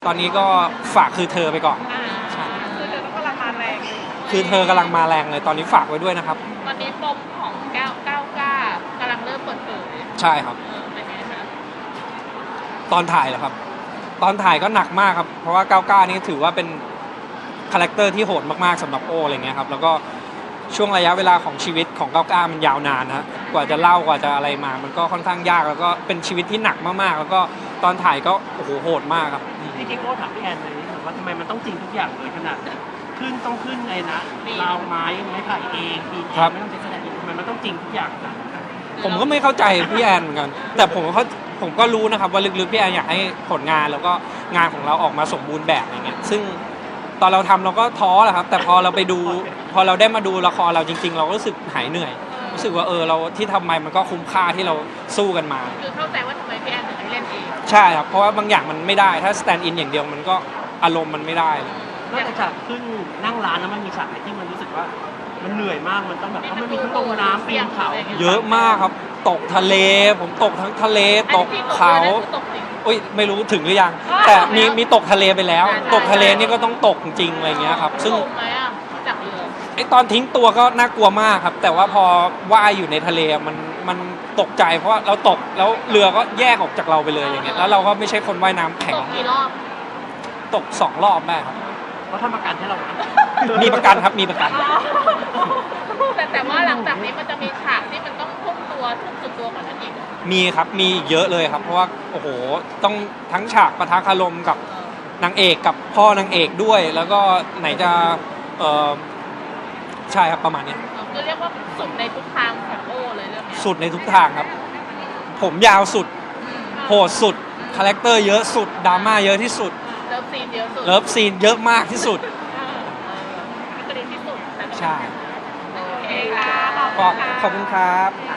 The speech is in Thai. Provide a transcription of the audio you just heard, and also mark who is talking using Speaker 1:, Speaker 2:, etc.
Speaker 1: ตอนนี้ก็ฝากคือเธอไปก่อนใช่
Speaker 2: คือเธอก็กำลังมาแรงเลย
Speaker 1: คือเธอกำลังมาแรงเลยตอนนี้ฝากไว้ด้วยนะครับ
Speaker 2: ตอนนี้ปมของ999กำลังเริ่มเปิดเผย
Speaker 1: ใช่ครับ
Speaker 2: เป็นไงคะ
Speaker 1: ตอนถ่ายเหรอครับตอนถ่ายก็หนักมากครับเพราะว่า99นี่ถือว่าเป็นคาแรคเตอร์ที่โหดมากๆสำหรับโออะไรเงี้ยครับแล้วก็ช่วงระยะเวลาของชีวิตของ99มันยาวนานนะกว่าจะเล่ากว่าจะอะไรมามันก็ค่อนข้างยากแล้วก็เป็นชีวิตที่หนักมากๆแล้วก็ตอนถ่ายก็โอ้โหโหดมากครับ
Speaker 3: จริงๆโอ้ถามพี่แอนเลยว่าทำไมมันต้องจริงทุกอย่างเลยขนาดต้องขึ้นไงนะราวไม้ไผ่เองปีนี้ไม่ต้องใช้แสดงทำไมมันต้องจริงทุกอย่างนะ
Speaker 1: ผมก็ไม่เข้าใจพี่แอนเหมือนกันแต่ผมก็รู้นะครับว่าลึกๆพี่แอนอยากให้ผลงานแล้วก็งานของเราออกมาสมบูรณ์แบบอย่างเงี้ยซึ่งตอนเราทำเราก็ท้อแหละครับแต่พอเราไปดูพอเราได้มาดูละครเราจริงๆเราก็รู้สึกหายเหนื่อยรู้สึกว่าเราที่ทำไปมันก็คุ้มค่าที่เราสู้กันมา
Speaker 2: คือเข้าใจว่าทำไมพี่แอนถึงไม่เล่นเอง
Speaker 1: ใช่ครับเพราะว่าบางอย่างมันไม่ได้ถ้าสแตนด์อินอย่างเดียวมันก็อารมณ์มันไม่ได้เลย
Speaker 3: นอกจากขึ้นนั่งร้านแล้วมันมีฉากไหนที่มันรู้สึกว่ามันเหนื่อยมากมันต้องแบบเพราะมันมีทั้งลงน้ำปีนเขา
Speaker 1: เยอะมากครับตกทะเลผมตกทั้งทะเลตกเขาอุ้ยไม่รู้ถึงหรือยังแต่มีตกทะเลไปแล้วตกทะเลนี่ก็ต้องตกจริงอะไรเงี้ยครับซึ่ง
Speaker 2: จากเรือ
Speaker 1: ไอตอนทิ้งตัวก็น่ากลัวมากครับแต่ว่าพอว่ายอยู่ในทะเลมันตกใจเพราะว่าเราตกแล้วเรือก็แยกออกจากเราไปเลยอย่างเงี้ยแล้วเราก็ไม่ใช่คนว่ายน้ำแข็ง
Speaker 2: ตกกี่รอบ
Speaker 1: ตก2 รอบแม่ครับ
Speaker 3: เขาทำประกันให้เรา
Speaker 1: มีประกันครับมีประกัน
Speaker 2: แต่ว่าหลังจากนี้มันจะมีฉากที่มันต้องทุ่มสุดตัวกว่านั้นอีก
Speaker 1: มีครับมีอีกเยอะเลยครับเพราะว่าโอ้โหต้องทั้งฉากปะทะคารมกับนางเอกกับพ่อนางเอกด้วยแล้วก็ไหนจะใช่ครับประมาณนี้
Speaker 2: คือเรียกว่าสุดในทุกทางของโอเลยเรื่องนี้
Speaker 1: สุดในทุกทางครับผมยาวสุดโหดสุดคาแรคเตอร์เยอะสุดดราม่าเยอะที่สุด
Speaker 2: เลิฟซีนเยอะสุด
Speaker 1: เลิฟซีนเยอะมากที่สุด
Speaker 2: ก็ดีที่สุด
Speaker 1: ใช่
Speaker 2: โอเคค่ะ
Speaker 1: ขอบคุณครับ